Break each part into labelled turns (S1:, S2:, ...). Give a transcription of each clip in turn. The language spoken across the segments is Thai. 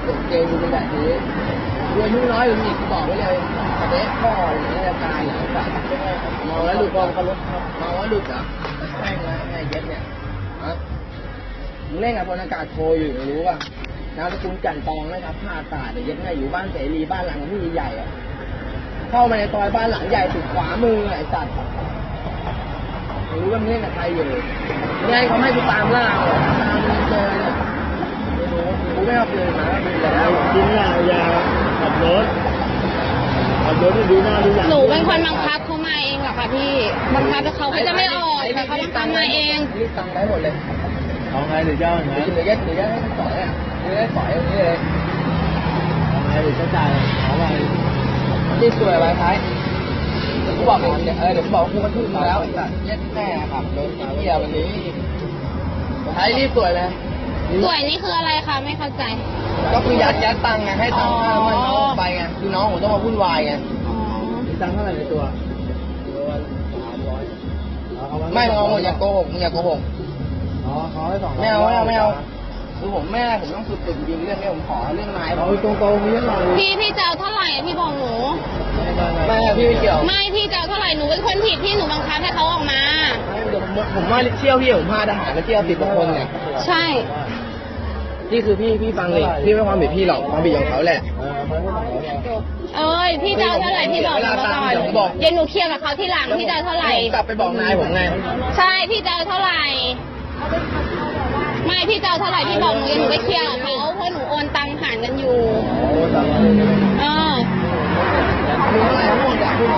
S1: เกมดูเป็นแบบนี้ดูอายุน้อยหรือมีบอกไว้เลยสเปคพ่อหรืออาการหรือแบบมองแล้วหลุดมองเขาลุกมองว่าหลุดเหรอแม่งนะไอ้เย็ดเนี่ยฮะมึงเล่นกับพลอากาศโทอยู่รู้ป่ะนามสกุลจันตองนะครับผ้าตาเดี๋ยวเย็ดไงอยู่บ้านเสรีบ้านหลังที่ใหญ่อะเข้ามาในซอยบ้านหลังใหญ่สุดขวามือไอ้สัตว์รู้ว่ามึงเล่นกับใครอยู่ไงเขาให้กูตามล่าเหรอตามมึงเจอเนี่ยไม่รู้กูไม่เอาปืนมาปืนแล้ว
S2: กินยาขับรถที่ดูหน้าดูหลัง
S3: หนูเป็นคนบังคับเขามาเองเหรอคะพี่บังคับแต่เขาก็จะไม่ออกแต่เขาบังคับมาเอง
S1: รีบตังได้หมดเลย
S2: เอาไงหรือเจ้าอย่างนั้น
S1: เดี๋ยวให้สอยอ่ะเดี๋ยวให้สอยอย่างนี้เลย
S2: เอาไงหรือจะจ่ายเอาไง
S1: รีบสวยไว้ท้ายเดี๋ยวกูบอกเองเดี๋ยวกูบอกกูมาทุ่มแล้วเย็ดแม่ครับโดนเกี่ยววันนี้ท้ายรีบสวยเลย
S3: สวยนี่คืออะไรคะไม่เข้าใจ
S1: ก็คือยัดตังค์ไงให้ตังค์มันเอาไปไงคือน้องผมต้องมาวุ่นวายไง
S3: อ๋อ
S2: มีตังค์เท่าไหร่ในตัว
S1: ไม่เอาอย่าโกหกมึงอย่าโกหก
S2: อ๋อเขาให้200
S1: ไม่เอาคือผมแม่ผมต้องสุดๆจริงเรื่องนี้ผมขอเรื่องไม้
S2: เอาตรงๆมีเท่าไหร่
S3: พี่จะเอาเท่าไหร่พี่บอกหนู
S1: ไม่พี่ไม่เกี่ยว
S3: ไม่พี่จะเอาเท่าไหร่หนูเป็นคนผิดที่หนูบังคับให้เขาออกมา
S1: เดี๋ยวผมว่าเที่ยวพี่ผมพาทหารไปเที่ยว10 กว่าคนเนี่ย
S3: ใช่
S1: นี่คือพี่ฟังเลยพี่ไม่ความผิดพี่หรอกความผิดของเขาแหละ
S3: เอ้ยพี่จะเอาเท่าไหร่พี่บอกหนูมาก่อน
S1: เดี๋ยวผมบอก
S3: เดี๋ยวหนูเคลียร์กับเขาทีหลังพี่จะเอาเท่าไหร่
S1: กลับไปบอกนายผมไง
S3: ใช่พี่จะเอาเท่าไหร่ไม่พี่จะเอาเท่าไหร่พี่บอกหนูเดี๋ยวหนูไปเคลียร์กับเขาเพราะหนูโอนตังค์ผ่านกันอยู่เออ
S1: มีเท่าไหร่ทั้งหมดอยากพูด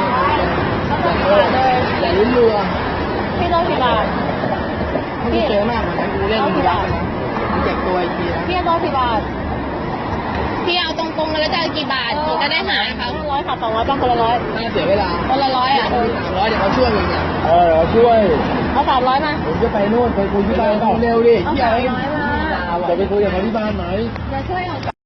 S1: อย่าลุ้นเรือ
S3: พี่ต้องกี่บาท
S1: พี่เจอมากเหมือนกันกูเล่นมึงยักษ์นะมึงเจ็บตัวอีกทีนะ
S3: พี่ต้องกี่บาทพี่เอาตรงๆแล้วจะเอากี่บาทหนูจะได้หาเขา100ค่ะ200บ้างคนละ100
S1: น่าเสียเวลา
S3: คนละ100อ่ะ
S1: 300เดี๋ยวเขาช่วยมึงเนี่ย
S2: เราช่วย
S3: เอา300มา
S2: ผมจะไปนู่นไปคุยที่บ้าน
S1: เร็วดิ
S3: เอา
S1: ที่
S3: 300
S1: ไอ้
S3: มา
S2: จะไปคุยกับเขาที่บ้านไหม
S3: จะช่วยเขา